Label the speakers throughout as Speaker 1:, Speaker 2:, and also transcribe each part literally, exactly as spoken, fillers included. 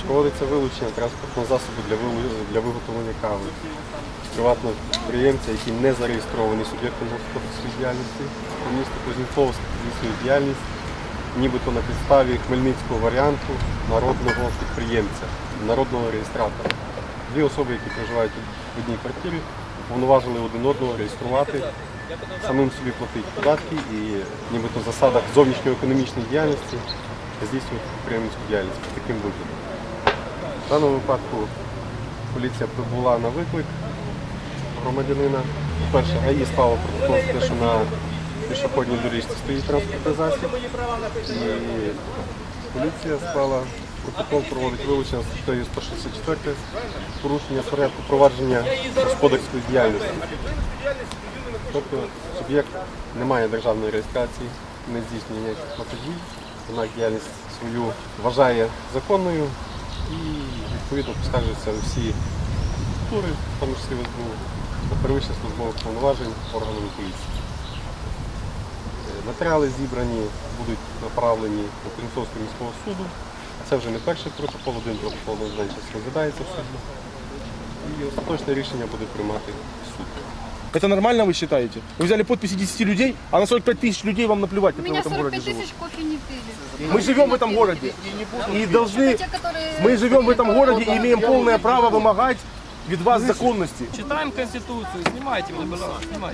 Speaker 1: Проводиться вилучення транспортного засобу для для виготовлення кави з приватного підприємця, який не зареєстрований суб'єктом господарської діяльності. Місто Кузнєцовськ здійснює діяльність нібито на підставі хмельницького варіанту народного підприємця, народного реєстратора. Дві особи, які проживають в одній квартирі, уповноважили один одного реєструвати, самим собі платити податки і нібито в засадах зовнішньоекономічної діяльності здійснювати підприємницьку діяльність під таким виглядом. В даному випадку поліція прибула на виклик громадянина. По-перше, ГАІ склало протокол за те, що на пішохідній доріжці стоїть транспортний засіб. І поліція склала протокол, проводить вилучення статтею сто шістдесят чотири порушення порядку провадження господарської діяльності. Тобто суб'єкт не має державної реєстрації, не здійснює ніяких платежів, вона діяльність свою вважає законною і відповідно поскаржуються всі структури, в тому числі в ес бе у, та перевищення службових повноважень органами поліції. Матеріали зібрані, будуть направлені до Кузнєцовського міського суду. Це вже не перший протокол, один протокол на час розглядається в суді. І остаточне рішення буде приймати суд.
Speaker 2: Это нормально, вы считаете? Вы взяли подписи десяти людей, а на сорок пять тысяч людей вам наплевать,
Speaker 3: У
Speaker 2: которые в
Speaker 3: меня
Speaker 2: этом
Speaker 3: сорок
Speaker 2: городе
Speaker 3: пять
Speaker 2: живут.
Speaker 3: тысяч кофе не пили.
Speaker 2: Мы живем в этом городе и должны,
Speaker 3: Те, которые-
Speaker 2: мы живем в этом городе и имеем полное право вымогать від вас законности.
Speaker 4: Читаем Конституцию, снимайте меня, пожалуйста, снимайте.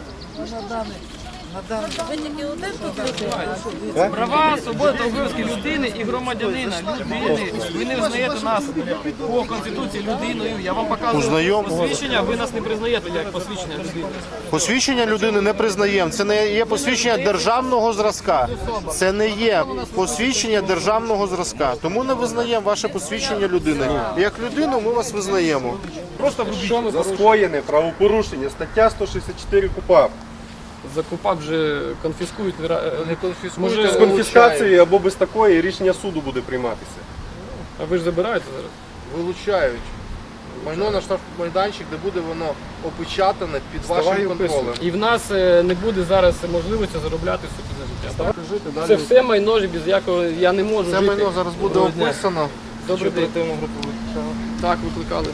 Speaker 4: Права, свобода та обов'язки людини і громадянина, людини. Ви не визнаєте нас по Конституції людиною. Я вам показую
Speaker 5: Узнаємо.
Speaker 4: посвідчення, ви нас не признаєте як посвідчення людини.
Speaker 5: Посвідчення людини не признаємо. Це не є посвідчення державного зразка. Це не є посвідчення державного зразка. Тому не визнаємо ваше посвідчення людини. Як людину ми вас визнаємо.
Speaker 2: Просто вибіть.
Speaker 1: За скоєне правопорушення, стаття сто шістдесят чотири КУПАП.
Speaker 4: За КУПАП вже конфіскують, не конфіскують.
Speaker 1: З конфіскацією або без такої рішення суду буде прийматися.
Speaker 4: А ви ж забираєте зараз?
Speaker 6: Вилучають майно на штрафмайданчик, де буде воно опечатане під
Speaker 1: Вставай
Speaker 6: вашим
Speaker 1: і описуй.
Speaker 6: контролем.
Speaker 4: І в нас е, не буде зараз можливості заробляти собі на життя. так? Це все майно, без якого я не можу
Speaker 6: Це
Speaker 4: жити.
Speaker 6: майно зараз буде
Speaker 4: Доброго дня.
Speaker 6: описано.
Speaker 4: Добрий день. Так, викликали.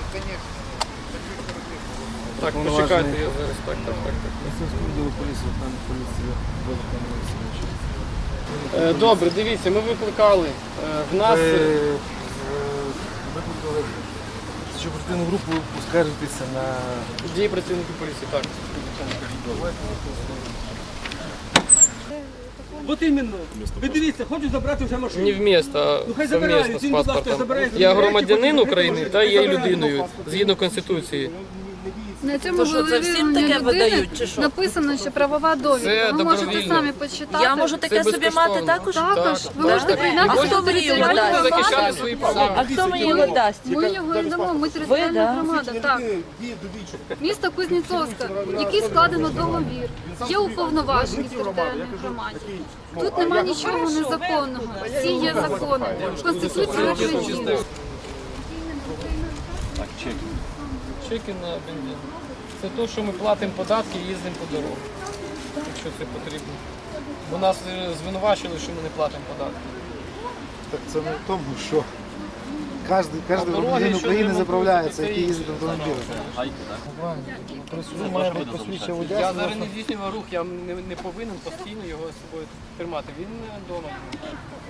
Speaker 4: Так, почекайте, я зараз. Так, так, так. так. Е, Добре, дивіться, ми викликали. Е, В нас... е,
Speaker 2: Викликали цю оперативну групу поскаржитися на...
Speaker 4: Дії працівників поліції, так.
Speaker 7: От іменно. Ви дивіться, хочу забрати вже машину.
Speaker 4: Не вмісто,
Speaker 7: Ну,
Speaker 4: а
Speaker 7: хай забирають,
Speaker 4: совмісно з
Speaker 7: він, будь ласка,
Speaker 4: паспортом.
Speaker 7: забирає,
Speaker 4: Я
Speaker 7: забирає,
Speaker 4: громадянин
Speaker 7: потім
Speaker 4: України
Speaker 7: приходить,
Speaker 4: та є
Speaker 7: забирає
Speaker 4: людиною,
Speaker 7: паспорт.
Speaker 4: згідно Конституції.
Speaker 3: На цьому
Speaker 8: То що, це всім
Speaker 3: волевиявленні
Speaker 8: таке
Speaker 3: людини
Speaker 8: видають, чи що?
Speaker 3: написано, що правова довідка.
Speaker 4: Це
Speaker 3: Ви можете
Speaker 4: добровільно.
Speaker 3: самі почитати.
Speaker 8: Я можу таке собі мати
Speaker 4: безкоштовно.
Speaker 8: також?
Speaker 3: Також.
Speaker 4: Так,
Speaker 3: Ви можете
Speaker 4: так.
Speaker 3: приєднатися
Speaker 8: А хто
Speaker 3: до
Speaker 8: мені його
Speaker 3: територіальної
Speaker 8: дасть?
Speaker 4: Захищати
Speaker 3: громади.
Speaker 4: свої права.
Speaker 8: А хто мені його дасть?
Speaker 3: Ми його і дамо, ми територіальна громада. Так. Місто Кузнєцовська, який складено договір, є уповноважені в територіальній громаді. Тут нема нічого незаконного. Всі є закони. Конституція України.
Speaker 4: Чеки на бензин. Це те, що ми платимо податки і їздимо по дорогах, якщо це потрібно. Бо нас е, звинувачили, що ми не платимо податки.
Speaker 9: Так це не в тому, що кожен, кожен
Speaker 4: дороги,
Speaker 9: громадянин
Speaker 4: що
Speaker 9: України
Speaker 4: треба
Speaker 9: заправляється,
Speaker 4: робити,
Speaker 9: який
Speaker 4: це
Speaker 9: їздить автомобілем. При суді має бути посвідчення водія.
Speaker 4: Я зараз не здійснював рух, я не, не повинен постійно його з собою тримати. Він вдома.